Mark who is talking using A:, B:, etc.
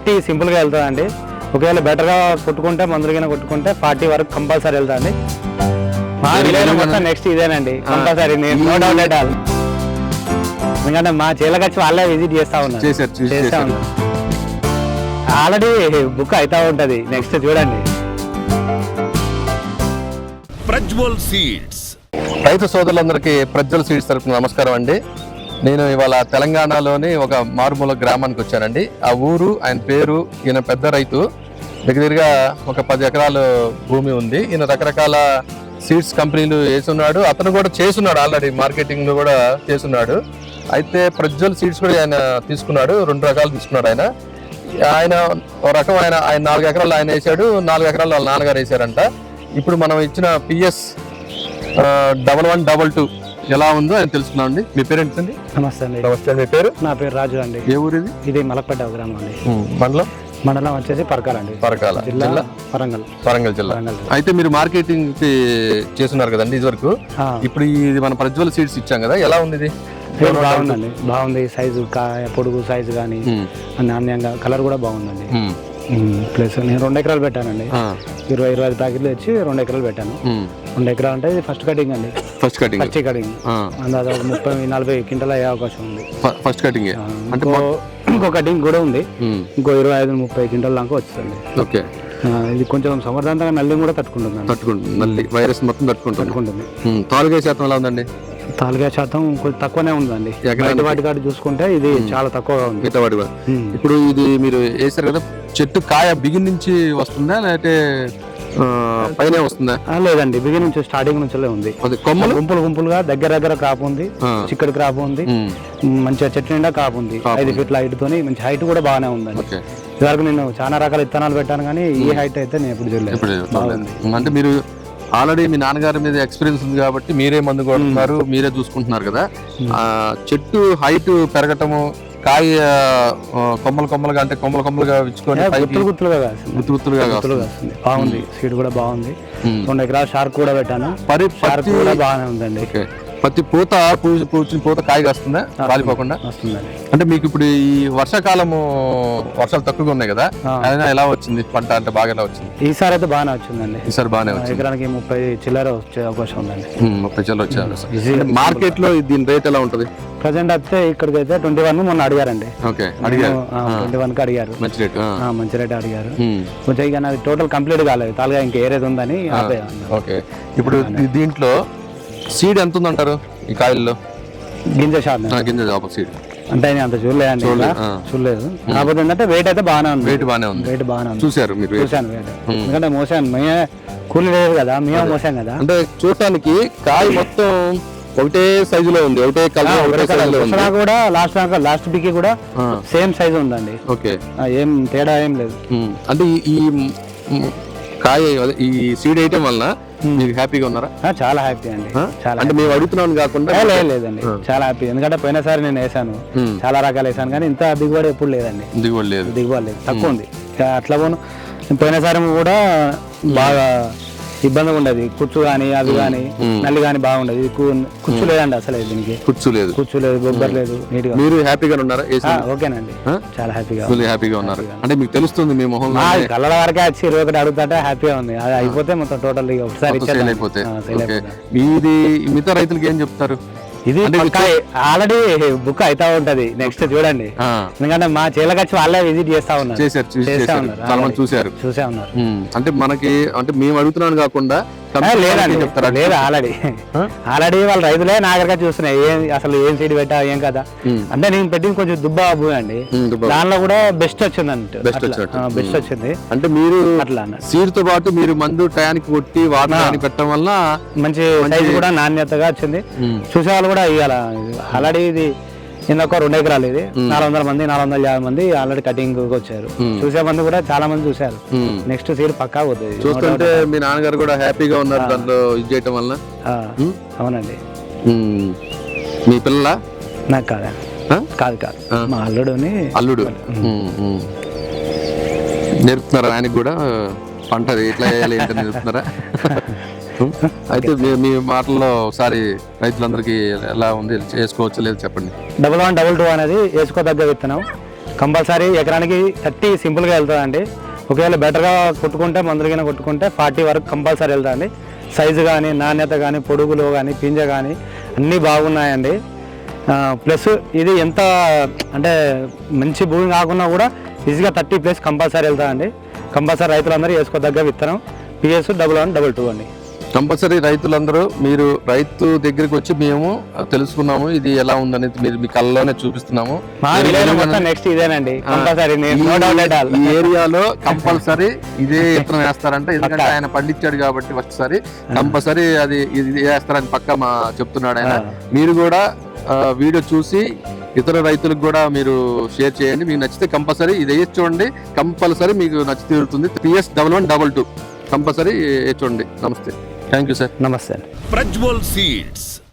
A: 30 సింపుల్గా వెళ్తుందండి. ఒకవేళ బెటర్గా కొట్టుకుంటే మందులకైనా కొట్టుకుంటే 40 వరకు కంపల్సరీ వెళ్తాండి. మా విలేజ్ మొత్తం నెక్స్ట్ ఇదేనండి కంపల్సరీ, నేను నో డౌట్ ఎట్ ఆల్. ఎందుకంటే మా చేలకు వచ్చి వాళ్ళే విజిట్ చేస్తా ఉన్నారు. ఆల్రెడీ బుక్ అవుతా ఉంటది, నెక్స్ట్ చూడండి.
B: ప్రజ్వల్ సీడ్స్
C: రైతు సోదరులందరికీ ప్రజ్వల్ సీడ్స్ తరపున నమస్కారం అండి. నేను ఇవాళ తెలంగాణలోని ఒక మారుమూల గ్రామానికి వచ్చానండి. ఆ ఊరు, ఆయన పేరు, ఈయన పెద్ద రైతు, దగ్గరగా ఒక 10 ఎకరాలు భూమి ఉంది. ఈయన రకరకాల సీడ్స్ కంపెనీలు వేసున్నాడు, అతను కూడా చేస్తున్నాడు, ఆల్రెడీ మార్కెటింగ్ కూడా చేస్తున్నాడు. అయితే ప్రజ్వల్ సీడ్స్ కూడా ఆయన తీసుకున్నాడు, 2 రకాలు తీసుకున్నాడు. ఆయన ఒక రకం ఆయన 4 ఎకరాలు ఆయన వేసాడు, 4 ఎకరాలు వాళ్ళ నాన్నగారు వేసారంట. ఇప్పుడు మనం ఇచ్చిన PS 1122 ఎలా ఉందో ఆయన తెలుసుకున్నాం అండి. మీ పేరు ఏంటండి?
A: నమస్తే అండి.
C: నమస్తే. మీ పేరు?
A: నా పేరు రాజు అండి.
C: ఏ ఊరు ఇది?
A: ఇది మలక్పేట గ్రామం అండి. మండలం వచ్చేసి పరకాల అండి.
C: పరకాల జిల్లా, వరంగల్ జిల్లా. అయితే మీరు మార్కెటింగ్ చేస్తున్నారు కదండి ఇది వరకు. ఇప్పుడు ఇది మన ప్రజ్వల్ సీడ్స్ ఇచ్చాం కదా, ఎలా ఉంది ఇది?
A: బాగుందండి, బాగుంది. సైజు, పొడుగు సైజు కానీ నాణ్యంగా, కలర్ కూడా బాగుందండి. ప్లస్ నేను 2 ఎకరాలు పెట్టానండి. 20-25 ప్యాకెట్లు తెచ్చి 2 ఎకరాలు పెట్టాను. 2 ఎకరాలు అంటే ఇది ఫస్ట్ కటింగ్ అండి. ఫస్ట్ కటింగ్ అందాజ 30-40 క్వింటాల్ అయ్యే అవకాశం ఉంది.
C: ఫస్ట్ కటింగ్ అంటే
A: ఇంకో కటింగ్ కూడా ఉంది, ఇంకో 25-30 క్వింటాల్ దాకా వస్తుంది.
C: ఓకే.
A: ఇది కొంచెం సమర్థవంతంగా నల్లి కూడా తట్టుకుంటుంది.
C: నల్లి వైరస్ మొత్తం తట్టుకుంటుంది. తాలుగా శాతం ఎలా ఉందండి?
A: తాలుగా శాతం కొంచెం తక్కువనే ఉందండి. వాటి కాడ చూసుకుంటే ఇది చాలా తక్కువగా ఉంది.
C: ఇప్పుడు ఇది మీరు వేసారు కదా, చెట్టు కాయ బిగిన్ నుంచి వస్తుందా లేకపోతే పైన వస్తుందా?
A: లేదండి, బిగిన్ నుంచి స్టార్టింగ్ నుంచి ఉంది.
C: కొమ్మలు
A: గుంపులుగా దగ్గర క్రాప్ ఉంది, చిక్కడి క్రాప్ ఉంది, మంచిగా చెట్టు నిండా క్రాప్ ఉంది. 5 ఫీట్ల హైట్ తోని మంచి హైట్ కూడా బాగానే ఉందండి. ఇదివరకు నేను చాలా రకాల విత్తనాలు పెట్టాను కానీ ఈ హైట్ అయితే నేను ఎప్పుడు చూడలేదు.
C: అంటే మీరు ఆల్రెడీ మీ నాన్నగారి మీద ఎక్స్పీరియన్స్ ఉంది కాబట్టి మీరే మందు కొడుతున్నారు, మీరే చూసుకుంటున్నారు కదా. చెట్టు హైట్ పెరగటము, కాయ కొమ్మలుగా అంటే కొమ్మలుగా విచ్చుకొని గుత్తులుగా
A: వస్తుంది. బాగుంది, సీడ్ కూడా బాగుంది. 2 ఎకరాల షార్క్ కూడా పెట్టాను. షార్క్ కూడా బాగానే ఉందండి.
C: ప్రతి పూచిన పూత కాయ వస్తుందా రాలిపోకుండా?
A: వస్తుందండి.
C: అంటే మీకు ఇప్పుడు ఈ వర్షాకాలము వర్షాలు తక్కువగా ఉన్నాయి కదా, ఎలా వచ్చింది పంట? అంటే బాగా ఎలా వచ్చింది?
A: ఈసారి అయితే బాగానే వచ్చిందండి.
C: ఈసారి బాగానే వచ్చింది.
A: ఎకరానికి 30 చిల్లర వచ్చే అవకాశం ఉందండి.
C: 30 చిల్లర వచ్చే అవకాశం. మార్కెట్ లో దీని రేట్ ఎలా ఉంటది?
A: ప్రజెంట్ అయితే ఇక్కడికి అయితే 21 మొన్న అడిగారండి.
C: అడిగారు
A: 21 కి అడిగారు. మంచి రేట్ అడిగారు. కొంచెం ఇక నాది టోటల్ కంప్లీట్ కాలేదు, తాలుగా ఇంకా ఏరేది ఉందని.
C: ఓకే. ఇప్పుడు దీంట్లో సీడ్ ఎంత ఉందంటారు ఈ కాయల్లో?
A: గింజ
C: సీడ్
A: అంటే అంత చూడలేదండి, చూడలేదు. కాకపోతే ఏంటంటే వెయిట్ అయితే బాగానే ఉంది.
C: వెయిట్ బాగానే ఉంది. చూసారు మీరు?
A: చూసాను వెయిట్. ఎందుకంటే మోసాను, మేమే కూలి లేదు కదా, మేమే మోసాం కదా.
C: అంటే చూడటానికి కాయ మొత్తం ఒకటే సైజులో ఉంది, ఒకటే కలర్
A: కూడా. లాస్ట్ పిక్ కూడా సేమ్ సైజు ఉందండి.
C: ఓకే.
A: ఏం తేడా ఏం లేదు.
C: అంటే ఈ కాయ, ఈ సీడ్ వేయటం వలన మీరు హ్యాపీగా ఉన్నారా?
A: చాలా హ్యాపీ అండి. చాలా
C: అంటే మేము అడుగుతున్నాను కాకుండా
A: లేదండి, చాలా హ్యాపీ. ఎందుకంటే పోయినసారి నేను వేసాను, చాలా రకాలు వేసాను కానీ ఇంత దిగుబడి ఎప్పుడు లేదండి. దిగుబడి లేదు, తక్కువ ఉంది. అట్లా పోను పోయినసారి కూడా బాగా ఇబ్బందిగా ఉండేది. కుచ్చు గానీ అవి గానీ నల్లి గానీ బాగుండేది. కుచ్చు లేదండి అసలు, దీనికి కుచ్చు లేదు, బొబ్బర్ లేదు. నీట్ గా
C: మీరు హ్యాపీగా ఉన్నారా?
A: ఓకేనండి, చాలా హ్యాపీగా
C: ఉన్నారు. అంటే మీకు తెలుస్తుంది మీ మొహం
A: కళ్ళ వరకే వచ్చి 21 అడుగుతుంటే హ్యాపీగా ఉంది. అది అయిపోతే మొత్తం టోటల్ ఒకసారి
C: అయిపోతే. ఇది మిగతా రైతులకి ఏం చెప్తారు?
A: ఇది ఆల్రెడీ బుక్ అవుతా ఉంటది, నెక్స్ట్ చూడండి. ఎందుకంటే మా చేలకు వచ్చి వాళ్ళే విజిట్ చేస్తా ఉన్నారు.
C: చూసే ఉన్నారు. అంటే మనకి, అంటే మేము అడుగుతున్నాను కాకుండా
A: లేదు, ఆల్రెడీ వాళ్ళ రైతులే నా దగ్గర చూస్తున్నాయి. అసలు ఏం సీడ్ పెట్టా ఏం కదా అంటే. నేను పెట్టింది కొంచెం దుబ్బా భూమి అండి, దానిలో కూడా బెస్ట్ వచ్చింది అంటే. బెస్ట్ వచ్చింది అంటే మీరు అట్లా
C: సీడ్ తో పాటు మీరు మందు టయానికి కొట్టి వాటర్ పెట్టడం వల్ల
A: మంచి సైజు కూడా నాణ్యతగా వచ్చింది. చూసే వాళ్ళు కూడా ఇవాళ ఆల్రెడీ ఇది ఇంకొక 2 ఎకరాలు, ఇది 400 మంది 450 మంది ఆల్రెడీ కటింగ్ వచ్చారు. చూసే మంది కూడా చాలా మంది చూసారు. నెక్స్ట్ సీడ్ పక్కా పోతుంది.
C: చూస్తుంటే మీ నాన్నగారు కూడా హ్యాపీగా ఉన్నారు దాంట్లో ఇది చేయటం వల్ల.
A: అవునండి.
C: మీ పిల్లల?
A: నాకు కాదు, మా అల్లుడు
C: నేర్పుతున్నారా ఆయనకి కూడా పంట ఎట్లా వేయాలి ఏంటని నేర్పుతున్నారా? అయితే మీ మాటల్లో ఒకసారి రైతులందరికీ ఎలా ఉంది, చేసుకోవచ్చు లేదు చెప్పండి.
A: 1122 అనేది వేసుకోదగ్గ విత్తనం. కంపల్సరీ ఎకరానికి 30 సింపుల్గా వెళ్తుందండి. ఒకవేళ బెటర్గా కొట్టుకుంటే మందులకైనా కొట్టుకుంటే 40 వరకు కంపల్సరీ వెళ్తుందండి. సైజు కానీ, నాణ్యత కానీ, పొడుగులు కానీ, పింజ కానీ అన్నీ బాగున్నాయండి. ప్లస్ ఇది ఎంత అంటే మంచి భూమి కాకుండా కూడా ఈజీగా 30+ కంపల్సరీ వెళ్తుందండి. కంపల్సరీ రైతులందరూ వేసుకోదగ్గ విత్తనం PS 1122 అండి.
C: కంపల్సరీ రైతులందరూ మీరు రైతు దగ్గరికి వచ్చి మేము తెలుసుకున్నాము ఇది ఎలా ఉందనేది మీరు మీ కళ్ళలోనే చూపిస్తున్నాము.
A: మా విలేజ్ మొత్తం నెక్స్ట్ ఇదేనండి కంపల్సరీ.
C: ఈ ఏరియాలో కంపల్సరీ ఇదే విత్తనం వేస్తారంటే ఎందుకంటే ఆయన పండించాడు కాబట్టి ఫస్ట్ సారి కంపల్సరీ అది ఇది వేస్తారని పక్క మా చెప్తున్నాడు ఆయన. మీరు కూడా వీడియో చూసి ఇతర రైతులకు కూడా మీరు షేర్ చేయండి. మీకు నచ్చితే కంపల్సరీ ఇది వేసి చూడండి, కంపల్సరీ మీకు నచ్చి తీరుతుంది. PS 1122 కంపల్సరీ చూడండి. నమస్తే, థ్యాంక్ యూ సార్.
A: నమస్తే.
B: ప్రజ్వల్ సీడ్స్.